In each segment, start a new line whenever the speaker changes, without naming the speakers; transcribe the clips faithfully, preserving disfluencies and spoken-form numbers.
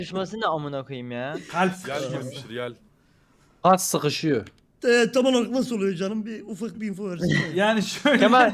Düşması ne amına koyayım ya.
Kalp
Yel
sıkışması.
girmiştir yel.
Kas sıkışıyor.
Ee, tam olarak nasıl oluyor canım? Bir ufak bir info versene.
Yani şöyle.
Kemal.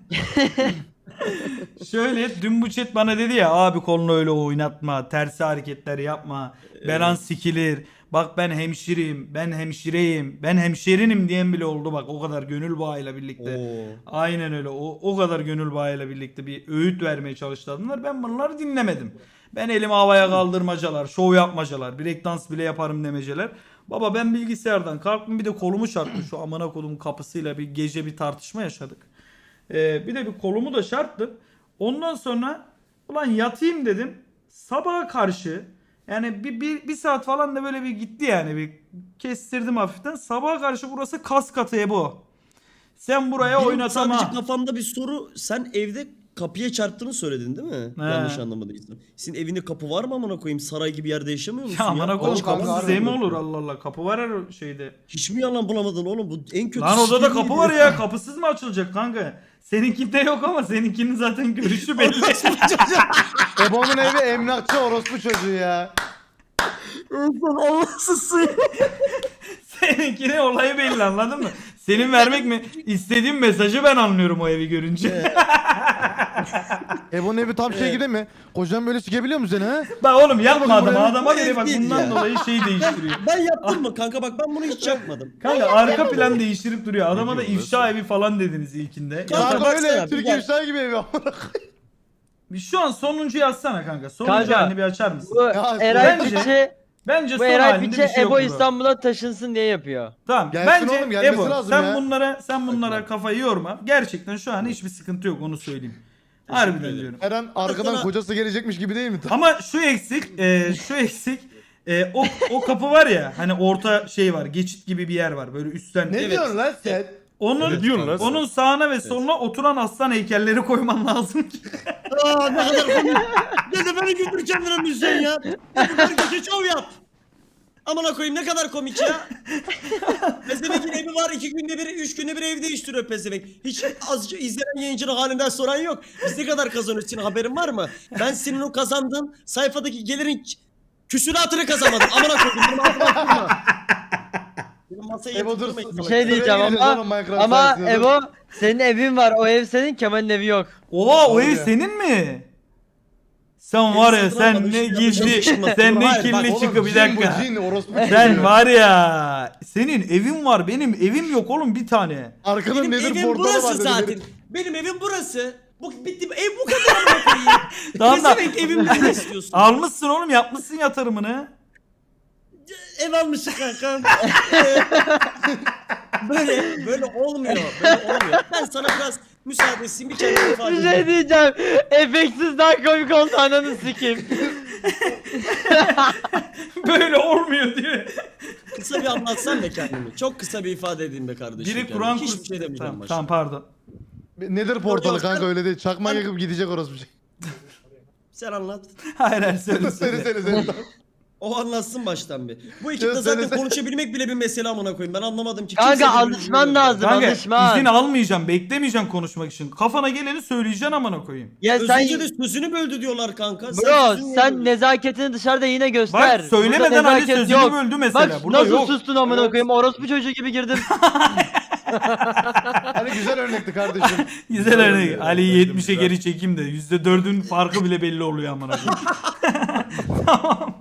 Şöyle dün bu chat bana dedi ya abi kolunu öyle oynatma, tersi hareketler yapma, belan sikilir. Bak ben hemşireyim, ben hemşireyim, ben hemşerinim diyen bile oldu bak o kadar gönül bağıyla birlikte.
Oo.
Aynen öyle o, o kadar gönül bağıyla birlikte bir öğüt vermeye çalıştılar. Ben bunları dinlemedim. Ben elimi havaya kaldırmacalar, şov yapmacalar, breakdance bile yaparım demeceler. Baba ben bilgisayardan kalktım bir de kolumu çarptım şu amına kodumun kapısıyla bir gece bir tartışma yaşadık. Ee, bir de bir kolumu da çarptım. Ondan sonra ulan yatayım dedim. Sabaha karşı yani bir, bir, bir saat falan da böyle bir gitti yani bir kestirdim hafiften. Sabaha karşı burası kas katı bu. Sen buraya
Benim
oynatama.
sadece kafamda bir soru. Sen evde kapıya çarptığını söyledin değil mi?
He.
Yanlış anlamadıysam. Senin evinde kapı var mı amına koyayım? Saray gibi yerde yaşamıyor musun
Ya
ya?
amına koyayım
Oğlum, kanka,
kapısız ev mi
harbi.
olur Allah Allah. Kapı var her şeyde.
Hiç mi yalan bulamadın oğlum? Bu en kötü
Lan odada
sikeyim
kapı var
diyor.
ya. Kapısız mı açılacak kanka? Seninkinde yok ama seninkinin zaten görüşü belli.
Ebo'nun evi emlakçı orospu çocuğu ya.
Ulan Allah'sız sığ.
Seninkine olayı belli anladın mı? Senin vermek mi? İstediğim mesajı ben anlıyorum o evi görünce.
Ebo'nun evi tam şey gibi mi? Kocan böyle sikebiliyor mu seni ha?
Bak oğlum yapma
Bak,
adama.
bu
Adama
ev
göre bak
değil
bundan
ya.
dolayı şey değiştiriyor.
Ben yaptım mı kanka bak ben bunu hiç yapmadım.
Kanka arka plan değiştirip duruyor. Adama da
diyorsun,
ifşa evi falan dediniz ilkinde. Ya
Kanka,
da-
Kanka
baksana,
öyle
bir
Türkiye
gel.
ifşa gibi evi.
bir şu an sonuncu yazsana kanka. Sonuncu
Kanka,
halini bir açar mısın?
Bu
Ya,
Eray
bence-
Piçe,
Bence
bu
son
Eray
halinde
Piçe
bir şey yok
Ebo
burada.
İstanbul'a taşınsın diye yapıyor.
Tamam.
Gelsin
Bence
oğlum, gelmesi
Ebo
lazım
sen
ya.
bunlara sen bunlara kafayı yorma. Gerçekten şu an hiçbir sıkıntı yok onu söyleyeyim. Harbiden
ederim.
diyorum.
Her an arkadan
Sana-
kocası gelecekmiş gibi değil mi?
Ama şu eksik, e, şu eksik. E, o o kapı var ya hani orta şey var, geçit gibi bir yer var böyle üstten.
Ne
Evet.
diyorsun lan sen?
Onun
Ne diyorsun lan sen?
onun sağına ve soluna oturan aslan heykelleri koyman lazım ki.
Aa ne kadar komik. Dede beni güldür kendine müzisyen ya. Dede beni şov yap. Amına koyayım ne kadar komik ya. Pezevenk'in evi var iki günde bir, üç günde bir ev değiştiriyor Pezevenk. Hiç azıcık izleyen yayıncının halinden soran yok. Biz ne kadar kazanıyoruz senin haberin var mı? Ben senin o kazandığın sayfadaki gelirin ç- küsuratını kazanmadım. Amına koyayım benim aklıma kurma. Benim masaya
Ebo dur.
yatırmayın.
Bir şey diyeceğim
Sıraya
ama
gireceğiz oğlum Minecraft
ama
sayesinde, dur.
Ebo senin evin var. O ev senin, Kemal'in evi yok.
Oha o
Doğru
ev
ya.
senin mi? Sen var ya
satın
sen
almadım,
ne
işte
gizli
yapacağım.
sen ne
Hayır, bak
kirli
Oğlum,
çıkı bir
cin bu,
dakika.
cin, orospu
Sen
çocuğu.
var ya senin evin var benim evim yok oğlum bir tane.
Arkada
Benim
nedir
evim
portalı var
burası
dedi
zaten.
biri.
Benim evim burası. Bu bitti ev bu kadar amına koyayım.
Tamam da
Pezevenk evimde ne istiyorsun?
almışsın oğlum yapmışsın yatırımını.
Ev almışsın kanka. böyle böyle olmuyor. Böyle olmuyor. Ben sana biraz müsaade edeyim bir kendime ifade
Bir
edeyim.
şey diyeceğim. Efeksiz daha komik oldu, ananı sikeyim.
Böyle olmuyor diyor.
Kısa bir anlatsam be kendimi. Çok kısa bir ifade edeyim be kardeşim.
Biri
kendime.
Kur'an
Hiçbir
kursu.
şey demeyeceğim
Tamam,
başta.
tamam pardon.
Nedir portalı
Yok,
kanka
sen-
öyle değil. Çakma
sen-
yakıp gidecek orospu şey.
Sen anlat.
Hayır hayır söyle
Seni
söyle.
seni seni.
O anlatsın baştan bir. Bu ekipte
Söyle,
zaten
söyle.
konuşabilmek bile bir mesele amına koyayım. Ben anlamadım ki.
Kanka,
kimse birbirini
alışman
dinlemiyor.
lazım.
Kanka
Alışma.
izin almayacağım beklemeyeceğim konuşmak için. Kafana geleni söyleyeceksin amına koyayım.
Ya sen
Özünce de sözünü böldü diyorlar kanka.
bro
sözünü
sen
böldün.
nezaketini dışarıda yine göster.
Bak söylemeden
Burada
hani
nezaket
sözünü
yok.
böldü mesela.
Bak
Burada
nasıl
yok.
sustun amına
Evet.
koyayım, orospu çocuğu gibi girdim.
Hani güzel örnekti kardeşim.
Güzel örnek.
Güzel,
Ali'yi
güzel,
yetmişe
güzel.
geri çekeyim de yüzde dördün farkı bile belli oluyor amına koyayım. Tamam.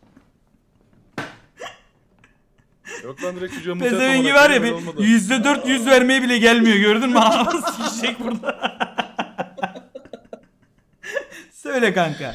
Yok lan direkt çocuğa mutlaka
Pezevengi
olarak
var ya
öyle
bir
olmadı.
yüzde dört yüz vermeye bile gelmiyor gördün mü? Anamı sikecek burada. Söyle kanka.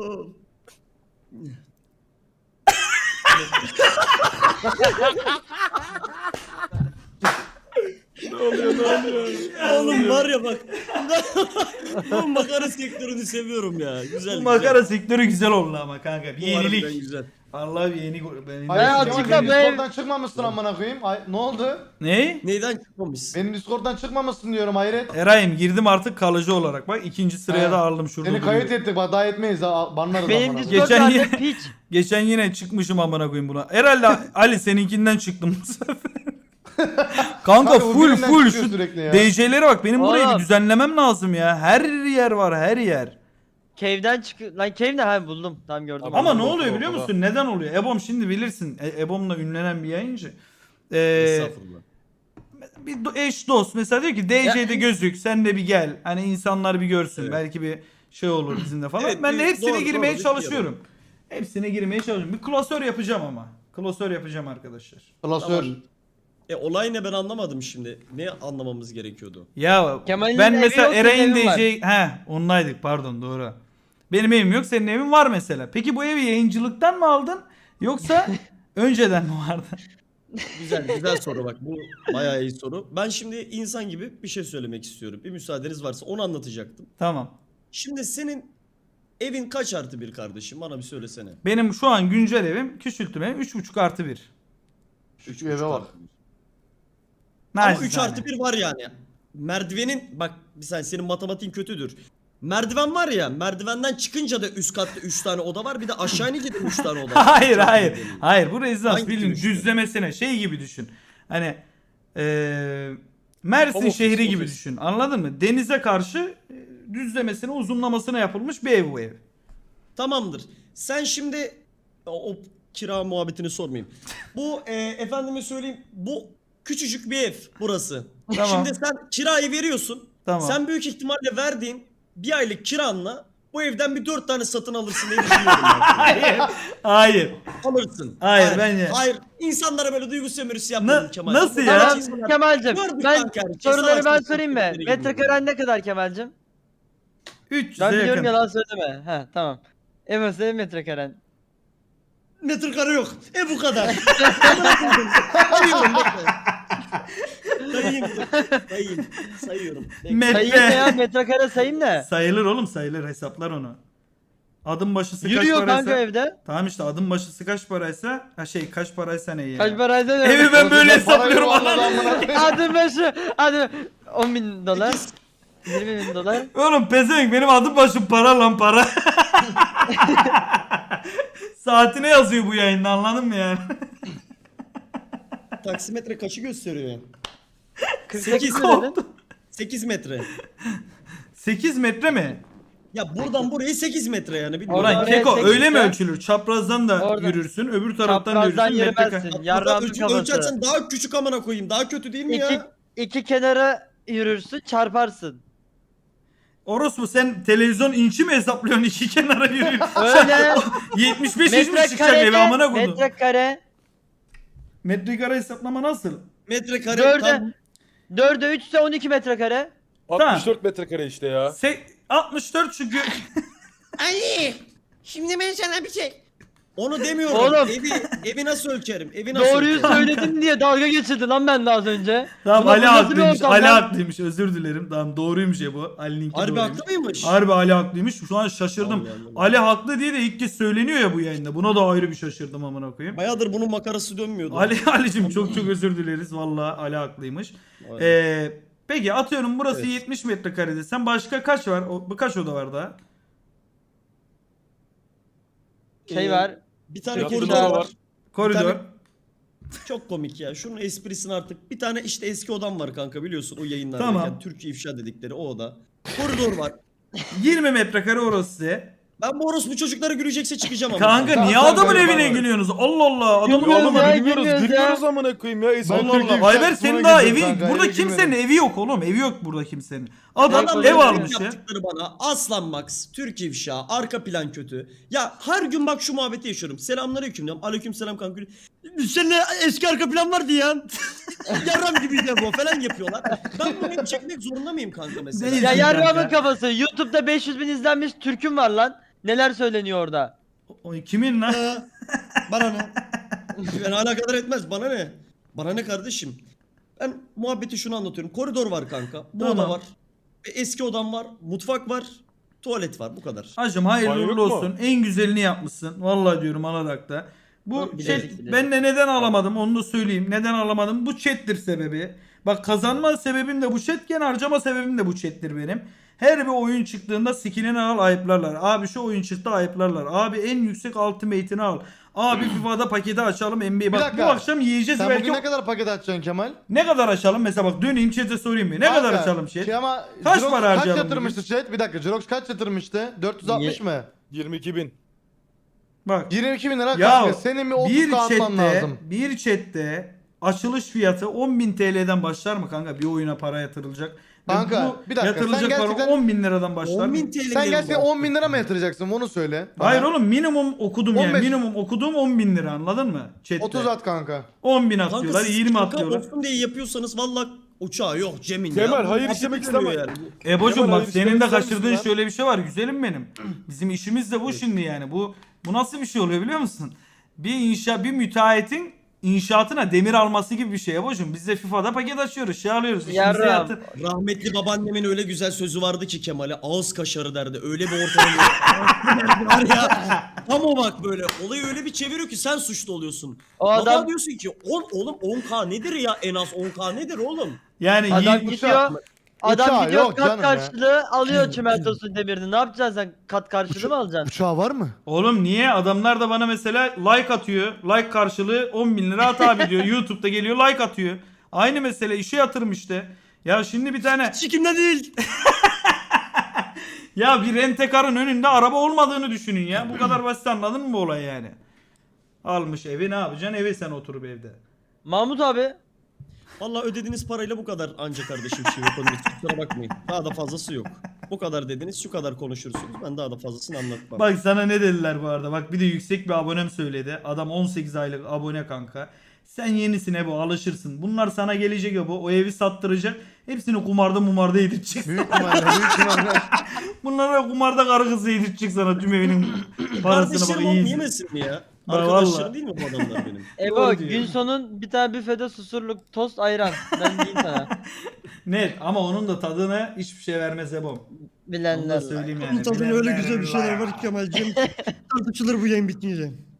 Ne oluyor ne oluyor?
Oğlum var ya bak. Bu makara sektörünü seviyorum ya. Güzel.
Bu makara sektörü güzel oldu ama kanka. Bir
güzel. Bu harbiden
yenilik.
güzel.
Allah bir yeni... Benim...
Hayır,
Ben
Kemal,
açıkla
benim
be.
Discord'dan çıkmamışsın amına koyayım. Ay, ne oldu?
Ne?
Neyden çıkmamış?
Benim Discord'dan çıkmamışsın diyorum hayret.
Eray'ım girdim artık kalıcı olarak. Bak ikinci sıraya
He.
da aldım şurada.
Seni
duruyor.
kayıt ettik bak daha etmeyiz ha banlarız
Benim
amına
Discord
Geçen
bende
yine-
piç.
Geçen yine çıkmışım amına koyayım buna. Herhalde Ali seninkinden çıktım bu sefer. Kanka
Kanka bu
full
birinden
full
çıkıyor
şu
sürekli ya.
D J'lere bak benim burayı bir
Oğlum.
düzenlemem lazım ya. Her yer var her yer.
cave'den çık... Lan cave ne? Ha buldum. Tamam gördüm.
Ama
Ama ne
Oda,
oluyor biliyor
oda.
musun? Neden oluyor? Ebom şimdi bilirsin. E, Ebom'la ünlenen bir yayıncı. Ee,
Estağfurullah.
bir do- eş dost mesela diyor ki D C'de gözük sen de bir gel. Hani insanlar bir görsün.
Evet.
Belki bir şey olur bizimle falan.
Evet,
ben de
bir-
hepsine
doğru,
girmeye
doğru,
çalışıyorum. Hepsine girmeye çalışıyorum. Bir klasör yapacağım ama. Klasör yapacağım arkadaşlar.
Klasör.
Tamam. E olay ne ben anlamadım şimdi. Ne anlamamız gerekiyordu?
Ya
Kemal'in
ben
evi
mesela
yok, senin
Eray'ın
evin var.
D C... He ondaydık pardon doğru. Benim evim yok senin evin var mesela. Peki bu evi yayıncılıktan mı aldın? Yoksa önceden mi vardı?
Güzel güzel soru bak. Bu bayağı iyi soru. Ben şimdi insan gibi bir şey söylemek istiyorum. Bir müsaadeniz varsa onu anlatacaktım.
Tamam.
Şimdi senin evin kaç artı bir kardeşim? Bana bir söylesene.
Benim şu an güncel evim küçültüm evim üç buçuk artı bir.
üç
eve bak.
Ama üç
Naçizane.
artı bir var yani. Merdivenin bak bir saniye senin matematiğin kötüdür. Merdiven var ya merdivenden çıkınca da üst katta üç tane oda var bir de aşağı inince de üç tane oda var.
Hayır
Çok
hayır.
iyi değil.
Hayır bu rezidans
Hangisini
bildiğin
düşünüyorsun?
düzlemesine şey gibi düşün. Hani eee Mersin
Home office,
şehri gibi
office.
düşün. Anladın mı? Denize karşı e, düzlemesine uzunlamasına yapılmış bir ev bu ev.
Tamamdır. Sen şimdi o, o kira muhabbetini sormayayım. Bu e, efendime söyleyeyim bu küçücük bir ev burası.
Tamam.
Şimdi sen kirayı veriyorsun.
Tamam.
Sen büyük ihtimalle verdiğin bir aylık kiranla bu evden bir dört tane satın alırsın diye düşünüyorum ben.
Hayır. Hayır.
Alırsın.
Hayır, bence-
Hayır. İnsanlara böyle duygu sömürüsü yapmadın
Na-
Kemal.
nasıl
Bu
ya?
kadar
Tamam
insanlar-
Kemal'cim.
Gördük
Ben
kanka, herkes
soruları ben
savaşta
sorayım mı?
sokakları gibi
Metrekaren ne kadar Kemal'cim?
üç yüze
Ben biliyorum
yakın.
yalan söyleme. He tamam. Evet senin metrekaren.
Metrekare yok. E bu kadar. Sayıyorum bekle. Sayayım. Sayayım. Sayıyorum. Bekle.
Sayayım ne ya
Metre.
metrekare sayayım ne?
Sayılır oğlum sayılır hesaplar onu. Adım başısı kaç
Yürüyor kanka
paraysa.
evde.
Tamam işte adım başısı kaç paraysa. Ha şey kaç paraysa ne ya.
Kaç paraysa ne?
Evi ben böyle
Oğlum, para
hesaplıyorum
yok vallahi
anladın mı?
amına koyayım.
Hadi başı. Hadi. on bin dolar. yirmi bin dolar.
Oğlum pezevenk benim adım başım para lan para. Saatine yazıyor bu yayında anladın mı yani?
Taksimetre kaçı gösteriyor yani?
kırk
Sekiz
sekiz mi dedin?
sekiz metre.
sekiz metre mi?
Ya buradan buraya sekiz metre yani bilmiyorum.
Oradan
Ulan
oraya
Keko
sekiz
öyle mi
metre.
ölçülür? Çaprazdan da
Oradan.
yürürsün, öbür taraftan da
Çaprazdan
yürürsün. Metre
yürümezsin.
ka-
Ya
Yarrağımın
ölç-
kafası.
ölçersen daha küçük amına koyayım. Daha kötü değil mi
İki,
ya?
iki kenara yürürsün çarparsın.
Orospu sen televizyon inçi mi hesaplıyorsun iki kenara yürüyorsun?
Öyle.
yetmiş beş inç mi çıkacak
Metrekare
eve amına koydum?
metrekare.
Metrekare hesaplama nasıl?
Metrekare
Dörde.
tam
Dörde üç ise on iki metrekare.
altmış dört metrekare işte ya.
Se altmış dört çünkü.
Ali, şimdi ben sana bir şey... Onu demiyorum.
Oğlum.
Evi, evi nasıl ölçerim? Evi nasıl
Doğruyu
ölçerim?
söyledim diye dalga geçirdi lan ben de az önce.
Tamam
Ulan
Ali
bu nasıl bir
haklıymış.
ortam
Ali
lan?
haklıymış. Özür dilerim. Tamam doğruymuş ya bu. Ali'ninki
Harbi
doğruymuş.
haklı mıymış?
Harbi Ali haklıymış. Şu an şaşırdım.
Allah Allah.
Ali haklı diye de ilk kez söyleniyor ya bu yayında. Buna da ayrı bir şaşırdım amına koyayım.
Bayağıdır bunun makarası dönmüyordu.
Ali Ali'cim çok çok özür dileriz. Vallahi Ali haklıymış.
Aynen.
Ee, peki atıyorum burası
Evet.
yetmiş metrekare desen başka kaç var? O, bu kaç oda var daha?
Şey
Ee,
var.
Bir tane
Tiyatro
koridor
daha
var.
var.
Koridor.
tane- Çok komik ya. Şunun esprisini artık. Bir tane işte eski odam var kanka biliyorsun o yayınlardayken.
Tamam.
Türkiye ifşa dedikleri o oda. Koridor var.
yirmi metrekare orası size.
Ben bu orospu çocukları gülecekse çıkacağım ama.
Kanka
Tamam,
niye
tamam,
adamın
tamam,
evine
tamam.
gülüyorsunuz? Allah Allah. Adamın
Gülmüyoruz
oğlum.
ya.
Gülüyoruz,
gülmüyoruz ya.
gülüyoruz amına koyayım ya. Eski
Ben
Allah
Türkiye
Allah.
ifşa
Ayber
kısmına
senin daha evi
girdim kanka,
burada
eve
kimsenin
girmedim.
evi yok oğlum. Evi yok burada kimsenin. Adam
Adam
ev
öyle
almış ya.
Yaptıkları bana Aslan Max, Türk ifşa, arka plan kötü. Ya her gün bak şu muhabbeti yaşıyorum. Selamünaleyküm diyorum. Aleykümselam kanka. Seninle eski arka plan vardı ya. Yarram gibiydi bu falan yapıyorlar. Ben bunu hep çekmek zorunda mıyım kanka mesela?
Değil.
Ya
Kanka.
yarrağımın kafası. YouTube'da beş yüz bin izlenmiş Türk'üm var lan. Neler söyleniyor orada?
O kimin lan?
Ha, bana ne? Ben alakadar etmez. Bana ne? Bana ne kardeşim? Ben muhabbeti şunu anlatıyorum. Koridor var kanka. Bu
Tamam.
oda var. E, Eski odam var. Mutfak var. Tuvalet var. Bu kadar.
Hacım hayırlı
Banyo
uğurlu
yok mu?
olsun. En güzelini yapmışsın. Vallahi diyorum alarak da. Bu
Bilezik,
chat
bilezik.
ben de neden alamadım onu da söyleyeyim. Neden alamadım? Bu chat'tir sebebi. Bak kazanma sebebim de bu chatken harcama sebebim de bu chattir benim. Her bir oyun çıktığında skillini al ayıplarlar. Abi şu oyun çıktı ayıplarlar. Abi en yüksek ultimate'ini al. Abi FIFA'da paketi açalım N B A.
Bir
Bak bu
dakika.
akşam yiyeceğiz
Sen
belki.
bugün ne kadar paket açacaksın Kemal?
Ne kadar açalım? Mesela bak döneyim chat'e sorayım bir. Ne kadar
Kanka,
açalım chat?
Şey ama
Kaç
Jirox
para harcayalım
Kaç yatırmıştı chat? Bir dakika Jirox kaç yatırmıştı? dört yüz altmış
Ye-
mı?
yirmi iki bin.
Bak.
yirmi iki bin lira
Ya
kanka. Senin bir
bir
otuz atman
chatte,
lazım.
bir chatte açılış fiyatı on bin T L'den başlar mı kanka? Bir oyuna para yatırılacak. Ve
Kanka,
bu
bir dakika,
yatırılacak
sen
para
gerçekten
on bin liradan başlar
on
mı?
bin T L.
Sen gerçekten on bin lira mı yatıracaksın onu söyle. bana.
Hayır oğlum minimum okudum yani.
on beş
Minimum okuduğum on bin lira anladın mı? Chatte.
otuz at kanka.
on bin
Kanka
atıyorlar,
siz
yirmi
şaka
atıyorlar.
olsun diye yapıyorsanız valla uçağı yok Cem'in ya.
Kemal
Bu
hayır
muhabbet
istemek
dönüyor
istemem.
yani.
Ebocum
Kemal,
bak
hayır
senin de
istemek ister misin
kaçırdığın
lan?
şöyle bir şey var güzelim benim. Bizim işimiz de bu şimdi yani. Bu bu nasıl bir şey oluyor biliyor musun? Bir inşa bir müteahhitin inşaatına demir alması gibi bir şey Ebocum. Biz de FIFA'da paket açıyoruz, şey alıyoruz. İşimize
Yarram.
yatır.
Rahmetli babaannemin öyle güzel sözü vardı ki Kemal'e ağız kaşarı derdi. Öyle bir ortam var ya. Tam o bak böyle. Olayı öyle bir çeviriyor ki sen suçlu oluyorsun.
O
Baba
adam
diyorsun ki on oğlum on K nedir ya en az on K nedir oğlum?
Yani
adam
yi-
gidiyor. Adam
Uçağı
gidiyor
yok
kat
canım ya.
karşılığı alıyor çimentosun demirini. Ne yapacaksın sen? Kat karşılığı mı alacaksın?
Uçağı var mı?
Oğlum niye? Adamlar da bana mesela like atıyor. Like karşılığı on bin lira at abi diyor. YouTube'da geliyor like atıyor. Aynı mesele işe yatırım işte. Ya şimdi bir tane
Sikimde değil.
ya bir rentekarın önünde araba olmadığını düşünün ya. Bu kadar basit anladın mı bu olay yani? Almış evi ne yapacaksın? Evi sen oturup evde.
Mahmut abi.
Valla ödediğiniz parayla bu kadar anca kardeşim şey yapabiliriz. Kusura bakmayın. Daha da fazlası yok. Bu kadar dediniz şu kadar konuşursunuz. Ben daha da fazlasını anlatmam.
Bak sana ne dediler bu arada. Bak bir de yüksek bir abonem söyledi. Adam on sekiz aylık abone kanka. Sen yenisin bu alışırsın. Bunlar sana gelecek bu. O evi sattıracak. Hepsini kumarda mumarda yedirecek.
Büyük ihtimalle büyük ihtimalle.
Bunlara kumarda karı kızı yedirecek sana tüm evinin parasını bak
Kardeşlerim oğlum
iyi.
yemesin mi ya?
Bak
Arkadaşlarım
valla.
değil mi bu adamlar benim?
Ebo
Doğru diyor.
gün sonun bir tane büfede susurluk tost ayran. Ben diyeyim sana.
Net ama onun da tadını hiçbir şey vermez Ebom. Onu da
Bilenler.
söyleyeyim yani.
Bunun tadında öyle güzel bir şeyler var ki Kemal'cim. Tartışılır bu yayın bitince.